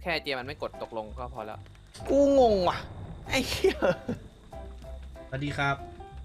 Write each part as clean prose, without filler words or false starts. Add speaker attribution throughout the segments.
Speaker 1: ค่เจมันไม่กดตกลงก็พอแล้ว
Speaker 2: กูงงว่ะไอ้เหี้ย
Speaker 3: สวัสดีครับ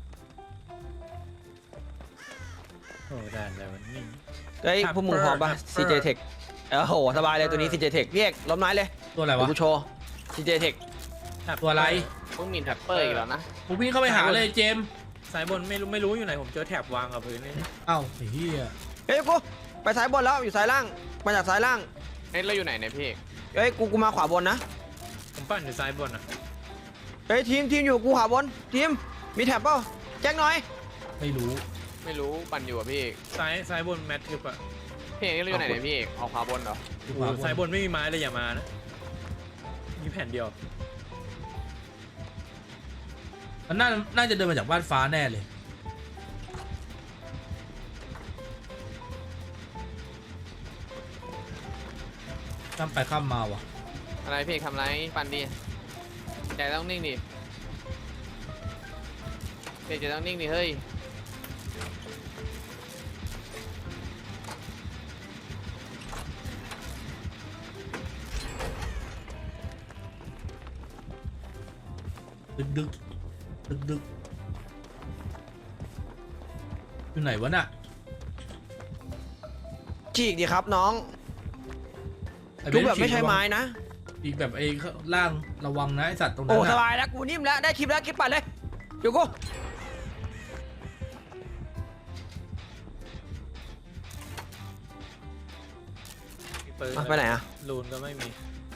Speaker 4: โอ้ด่านอะไรวะนี่
Speaker 2: เฮ้ยพวกมึงพร้อมป่ะ CJ Tech โอ้โหสบายเลยตัวนี้ CJ Tech พี่เอกล้มไม้เลย
Speaker 3: ตัวอะไรวะ
Speaker 2: กูโชว์ CJ Tech
Speaker 3: ตัวอะไร
Speaker 1: พวกมินแท็ปเปอร์อีกแล้วนะ
Speaker 3: ผมวิ่งเข้าไปหาเลยเจม
Speaker 4: สายบนไม่รู้อยู่ไหนผมเจอแถบวางกับพื้นนี่
Speaker 3: เอ้าไอ้เหี้ย
Speaker 2: เฮ้ยกูไปซ้ายบนแล้วอยู่ซ้ายล่างมาจากซ้ายล่าง
Speaker 1: เฮ้ยเราอยู่ไหนเนี่ยพี่
Speaker 2: เฮ้ยกูมาขวาบนนะ
Speaker 4: ผมปั่นอยู่ซ้ายบนอ่ะ
Speaker 2: เฮ้ยทีมอยู่กูขวาบนทีมมีแถบเปล่าแจ็คหน่อย
Speaker 3: ไม่รู้
Speaker 1: ปั่นอยู่อ่ะพี่
Speaker 4: ซ้ายบนแมททึบอ่ะ
Speaker 1: พี่เอกเราอยู่ไหนเนี่ยพี่เอกออกขวาบนเหรอ
Speaker 4: ซ้ายบนไม่มีไม้เลยอย่ามานะมีแผ่นเดียว
Speaker 3: มันน่าจะเดินมาจากบ้านฟ้าแน่เลยข้ามไปข้ามมาว่ะ
Speaker 1: อะไรพี่ทำไรปั่นดิใจต้องนิ่งดิพี่ใจต้องนิ่งดิเฮ้ย
Speaker 3: ดึกอยู่ไหนวะน่ะ
Speaker 2: ฉีกดิครับน้องทุกแบบไม่ใช่ไม้นะ
Speaker 3: อีกแบบไอ้ล่างระวังนะไอสัตว์ตรงนั้น
Speaker 2: โอ้สบายแล้วกูนิ่มแล้วได้คลิปแล้วคลิปไปเลยอยู่กูไปไหนอะ
Speaker 4: ลูนก็ไม่มี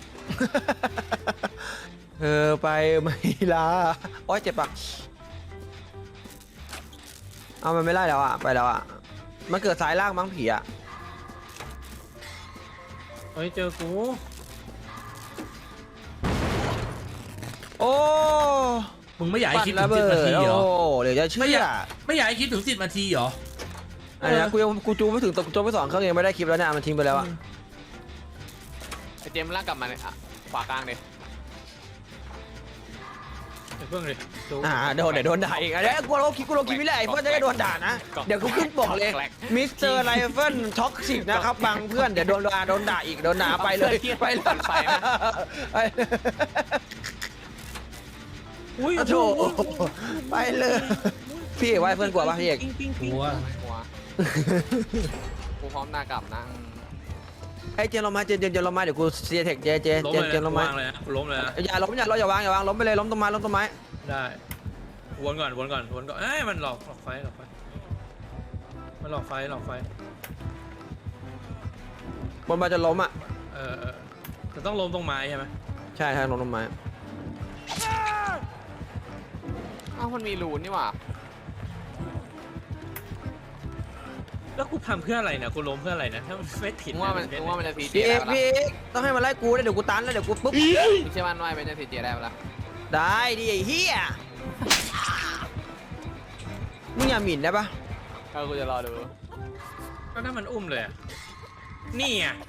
Speaker 2: ไปไม่ลาโอ๊ยเจ็บปะเอามันไม่ไล่แล้วอะไปแล้วอะมันเกิดสายล่างมั้งผีอะ
Speaker 4: เฮ้ยเจอกู
Speaker 2: โอ้
Speaker 3: มึงไม่อยากให้คิดถึง10 นาทีเหรอ
Speaker 2: โอ้เดี๋ยวจะเชื่อ
Speaker 3: ไม่อยากให้คิดถึง10 นาทีเหรอ
Speaker 2: อะไรนะกูจูไม่ถึงตกจูไม่2เครื่องยังไม่ได้คลิปแล้วเนี่ยมันทิ้งไปแล้วอะ
Speaker 1: ไอเจมลากกลับมาเลยอ่ะขวากลางเลย
Speaker 4: เพิ่งเลย
Speaker 2: โดนด่าอีกเดี๋ยวกูลงคลิปไม่ได้เพื่อนจะได้โดนด่านะเดี๋ยวกูขึ้นบอกเลยมิสเตอร์ไรเฟิลท็อกซิกนะครับบางเพื่อนเดี๋ยวโดนด่าอีกโดนด่าไปเลยไปเลย
Speaker 4: อุ้ย
Speaker 2: โถไปเลยพี่เอกว่าเพื่อนกลัวป่ะพี่เอก
Speaker 3: กลัว
Speaker 1: กูพร้อมหน้ากลับนั่ง
Speaker 2: ไอ้เจนลงมาเจนลงมาเดี๋ยวกูเสียเทคเจนลงมา
Speaker 4: ล้มเลย
Speaker 2: อย่าอย่าวางล้มไปเลยล้มต้นไม้
Speaker 4: ได้วนก่อนเอ้ยมันหลอกไฟมันหลอกไฟ
Speaker 2: บนมาจะล้มอ่ะ
Speaker 4: จะต้องล้มตรงไม้ใช่ไหม
Speaker 2: ใช่ล้มต้นไม้
Speaker 1: อ้าวมันมีรูนนี่หว่า
Speaker 4: แล้วกูทำเพื่ออะไรเนี่ยกูล้มเพื่ออะไรนะถ้ามันไม่ถิด
Speaker 1: ว่ามันจะทีเจ
Speaker 2: ได้พี่ต้องให้มันไล่กูเดี๋ยวกูตันแล้วเดี๋ยวกูปุ๊บ
Speaker 1: ไม่ใช่มันว่ามันจะทีเจได้ปะล่ะ
Speaker 2: ได้ดิไอ้เหี้ยมึงอย่าหมิ่นได้ปะ
Speaker 1: กูจะรอดู
Speaker 4: ก็ถ้ามันอุ้มเลยนี่อ่ะ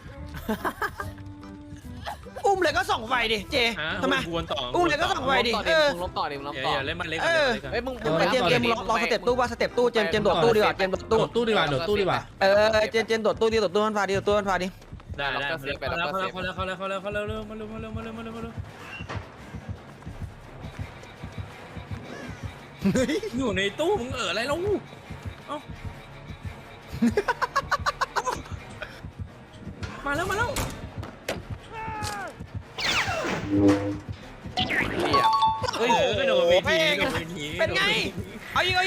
Speaker 2: อุ้มเลยก็ส่องไฟดิเจทำไมอุ้มเลยก็ส่องไฟดิ
Speaker 1: มึงล้มต่อ
Speaker 4: อย่าเล่นมันเล็ก
Speaker 1: มึง
Speaker 2: เจมรอสเต็ปตู้ว่าสเต็ปตู้เจมโดดตู้ดีกว่าเจมโดดตู้
Speaker 3: ดีกว่า
Speaker 2: เจมโดดตู้มันพาดิตู้มันพาดิ
Speaker 4: ได้เขาแล้วมาเร็วอยู่ในตู้มึงอะไรแล้วมาแล้ว
Speaker 1: เฮ้ย
Speaker 4: โดนวีที
Speaker 2: เป็นไงเอาอีก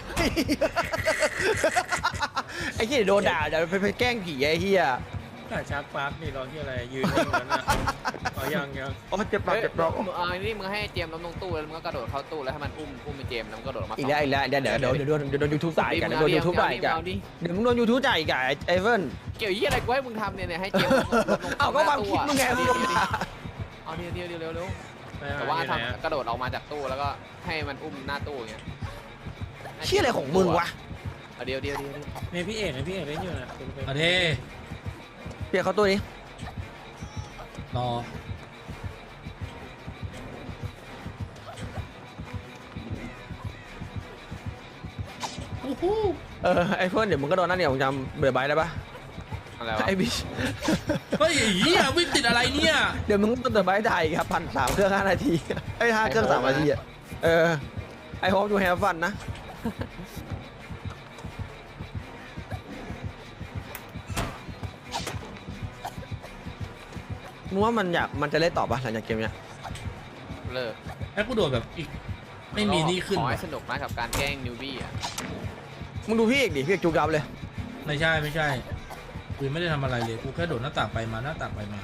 Speaker 2: ไอ้เหี้ยโดนด่าเดี๋ยวไปแกล้งผีไอ้เหี้ย
Speaker 4: ชักปาร์คนี่รอที่อะไรยืนนิ่งแล้วนะยัง
Speaker 2: โอ้เจ็บปาก
Speaker 1: นี่มึงให้เจมล้มตรงตู้แล้วมึงก็กระโดดเข้าตู้แล้วให้มันอุ้มไปเจมแล้วมึงกระโดดมา
Speaker 2: อีกแล้วเดี๋ยวโดนยูทูบจ่ายกันโดนยูทูบจ่ายกันเดี๋ยวมึงโดนยูทูบจ่ายกันไอเฟิร์น
Speaker 1: เกี่ยวยี่อะไรกูให้มึงทำเนี่ยให้เจม
Speaker 2: เอาก็ความคิดมึงไงมึง
Speaker 1: เอาเดี๋ยวเร็วแต่ว่าทำกระโดดออกมาจากตู้แล้วก็ให้มันอุ้มหน้าตู้อย่างเงี้ย
Speaker 2: เชี่ยอะไรของมึงวะ
Speaker 1: เดี๋ยว
Speaker 4: เนี่ยพี่เอกเล่นอยู่นะ
Speaker 3: มาเท
Speaker 2: เปียกเขาตู้นี้
Speaker 3: รอ
Speaker 2: ไอเฟิร์นเดี๋ยวมึงก็โดนนั่นเนี่ยผมจำเบื่อใบได้ปะ
Speaker 1: อะไรวะ
Speaker 2: ไอ้บิช
Speaker 3: เฮ้ยเหี้ยวิ่งติดอะไรเนี่ย
Speaker 2: เดี๋ยวมึงต้องเติมไม้ไทยครับ1,300เครื่อง5 นาทีไอ้5 เครื่อง3 นาทีอะไอโฮปดูแฮฟฟันนะมึงว่ามันจะเล่นต่อปะหลังจากเกมเนี้ย
Speaker 1: เลิก
Speaker 3: ให้กูโดดแบบอีกไม่มีนี่ขึ้น
Speaker 1: ขอให้สนุกนะกับการแกล้งนิวบี้อ่ะ
Speaker 2: มึงดูพี่เอกดิพี่เอกจุกยับเลย
Speaker 3: ไม่ใช่กูไม่ได้ทำอะไรเลยกูแค่โดดหน้าต่างไปมาหน้าต่างไปมา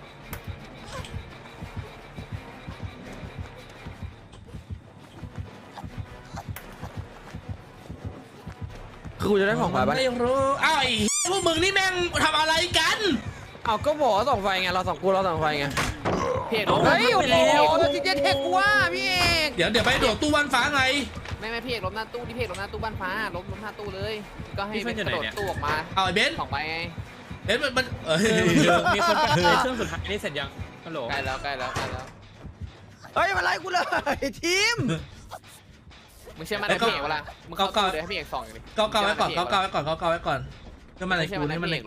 Speaker 2: คือกูจะได้ของไปปะ
Speaker 3: ไม่รู้อ้าวไอ้พวกมึงนี่แม่งทำอะไรกัน
Speaker 2: เอาก็บอกว่าส่องไฟไงเราส่องไฟไง
Speaker 1: พี่เอก
Speaker 2: เฮ้ยโอ้
Speaker 1: ไป
Speaker 2: โห
Speaker 1: แล้ว
Speaker 2: จริงๆเทคกูว่าพี่เอก
Speaker 3: เดี๋ยวไปโดดตู้วันฟ้าไง
Speaker 1: ไม่พี่เอกล้มหน้าตู้ที่พี่เอกล้มหน้าตู้บ้านฟ้าล้มหน้าตู้เลย ก็ให้เป็นกระโดดตู้ออกมา
Speaker 3: เอาไอ้เบนซ์
Speaker 1: สองใบไง
Speaker 3: เบนซ์มัน
Speaker 4: มีคนไปเครื่องสุดท้ายนี่เสร็จยังฮัลโหล
Speaker 1: ใกล้แล้ว
Speaker 2: เฮ้ยมาไล่กูเลยทีม
Speaker 1: มึงเชื่อมันในพี่เอกเวลามึงเข้าตู้เลยให้พี่เอกส่องอย่างนี้
Speaker 3: เกาไว้ก่อนก็มาในกูนี่มันในกู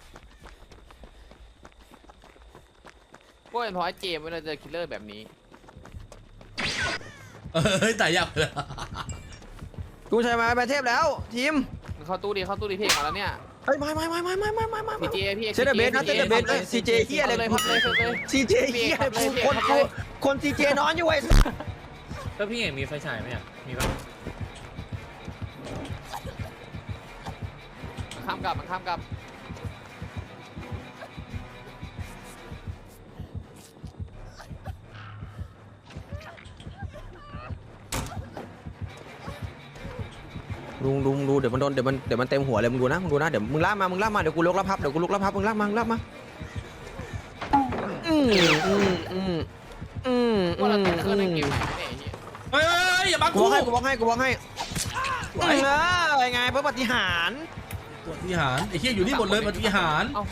Speaker 1: ก็เป็นเพราะไอ้เจมส์เวลาเจอคิลเลอร์แบบนี้
Speaker 3: เฮ้ยตายยากเลย
Speaker 2: กูใช้ไม้ไปเทพแล้วทีม
Speaker 1: มึงเข้าตู้ดิพี่เอกมาแล้วเนี่ย
Speaker 2: เฮ้ยไม่
Speaker 1: พีเจพี่เอก
Speaker 2: เซตเบสนะเซตเบสเลยซีเจเฮียอะไร
Speaker 1: เลยพับเลย
Speaker 2: ซีเจเฮียคนซีเจนอนอยู่ไอ้
Speaker 4: แล้วพี่เอกมีไฟฉายไหมอ่ะมีป่ะ
Speaker 1: มันข้ามกลับ
Speaker 2: ลุงดูเดี๋ยวมันโดนเดี๋ยวมันเต็มหัวเลยมึงดูนะเดี๋ยวมึงลากมาเดี๋ยวกูลุกแล้วพับมึงลากมา
Speaker 1: ว่าเราติดเครื่องในเกมไหนเนี่ยไอ้เหี้ย
Speaker 3: เฮ้ยอย่าบัง
Speaker 2: กู
Speaker 3: กู
Speaker 2: บอกให้ไงเพื่อปฏิหาร
Speaker 3: ปฏิหารไอ้เหี้ยอยู่นี่หมดเลยปฏิหาร
Speaker 1: เอา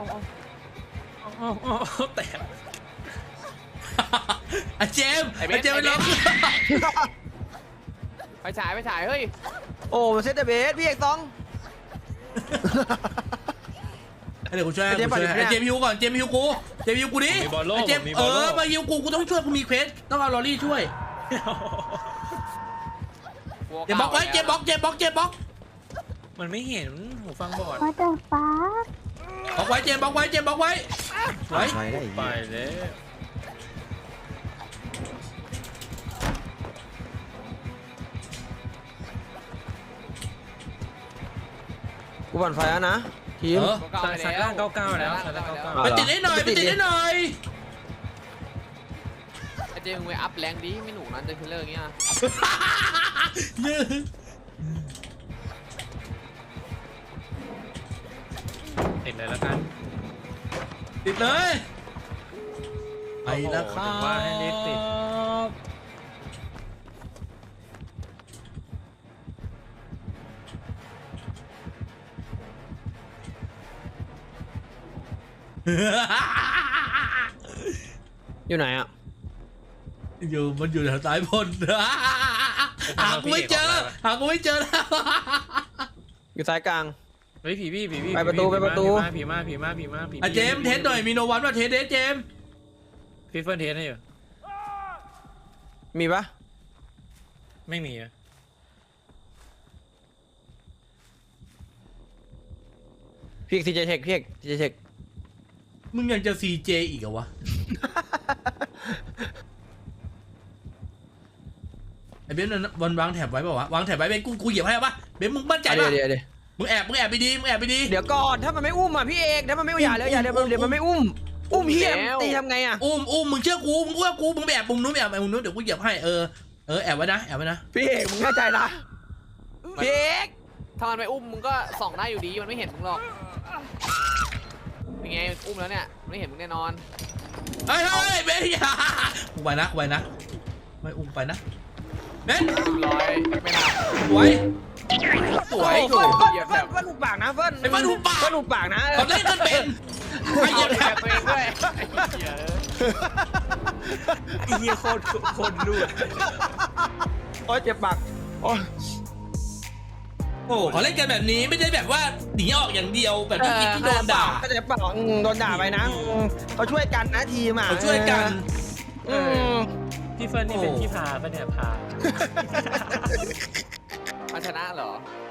Speaker 4: แตก
Speaker 3: ไอ้เจมไปล็อก
Speaker 1: ไปฉายเฮ้ย
Speaker 2: โอ้เซตเบสพี่เอกต้อง
Speaker 3: เดี๋ยวกูช่วยไอ้เจมฮิวก่อนเจมฮิวกูดิไอ้เจมมาฮิวกูต้องช่วยกูมีเควสต้องเอาลอรี่ช่วยเจมบล็อกไว้เจมบล็อก
Speaker 4: มันไม่เห็นหูฟังบอด
Speaker 5: What the fuck
Speaker 3: บล็อกไว้เจมบล็อกไว้ไว้
Speaker 4: ไปเลย
Speaker 2: กูปั่นไฟแล้วนะทีม
Speaker 4: สายล่าง99แล้วสายล่าง99
Speaker 3: ไปติดได้หน่อย
Speaker 1: ไอ้เจมมึงไปอัพแรงดิไม่หนูนั้นเจอคิลเลอร์อย่างเงี้ย
Speaker 4: ติดเลยแล้วกัน
Speaker 3: ติดเลยไปแล้วครั
Speaker 4: ถึงว่าให้รีบติด
Speaker 2: อยู่ไหนอ่ะ
Speaker 3: มันอยู่แถวซ้ายบนหากูไม่เจอแล้ว
Speaker 2: อยู่ซ้ายกลาง
Speaker 4: เฮ้ยผี
Speaker 2: ไปประตู
Speaker 4: ผีมา
Speaker 3: อ่ะเจมเทสหน่อยมีโนวันว่าเทสเจม
Speaker 4: พี่เฟิร์นเทสให้อยู่
Speaker 2: มีปะ
Speaker 4: ไม่มีอ่ะ
Speaker 2: พี่เอกซีเจเทค
Speaker 3: มึงยังจะ CJ อีกเหรอวะไอ้เบนมันวางแถบไว้ป่าวะวางแถบไว้เบนกูเหยียบให้ป่ะเบนมึงมั่นใจป่ะ
Speaker 2: เดี๋ยว
Speaker 3: มึงแอบไปดี
Speaker 2: เดี๋ยวก่อนถ้ามันไม่อุ้มอ่ะพี่เอกถ้ามันไม่อย่าเลยเดี๋ยวมันไม่อุ้มเฮียตีทำไงอ่ะ
Speaker 3: อุ้มมึงเชื่อกูมึงว่ากูมึงไปแอบมุมนู้นเดี๋ยวกูเหยียบให้แอบไว้นะ
Speaker 2: พี่เอกมึงเข้าใจนะพี่เอก
Speaker 1: ถ้ามันไปอุ้มมึงก็ส่องได้อยู่ดีมันไม่เห็นมึงหรอกเป็นไงอุ้มแล้วเนี่ยไม่เห็นมึงแน่นอน
Speaker 3: เฮ้ยเบนอย่ากูไปนะไม่อุ้มไปนะเบน
Speaker 1: ร้อยไม่นาน
Speaker 3: สวย
Speaker 1: สวยอยู่เหยียบแบบ
Speaker 2: เฟิร์นหุบปากนะเฟิร์น
Speaker 3: ไอ้เฟิร์นหุบปาก
Speaker 2: เฟิร์นหุบปากนะ
Speaker 3: เขาเล่นกันเป็นไอ้เหยียบแถบ
Speaker 1: ตัวเองด้วยไอ้เหี้ย
Speaker 4: เฮียโคตรรูด
Speaker 2: โอ้ยเจ็บปากโอ้ย
Speaker 3: โอ้เขาเล่นกันแบบนี้ไม่ได้แบบว่าหนีออกอย่างเดียวแบบที่กินที่โดนด่า
Speaker 2: ก็จะเปล่าโดนด่าไปนะเขาช่วยกันนะทีมอ่ะ
Speaker 3: เขาช่วยกัน
Speaker 5: พี่เฟิร์นนี่เป็นพี่พาปะเนี่ยพา
Speaker 1: มันชนะเหรอ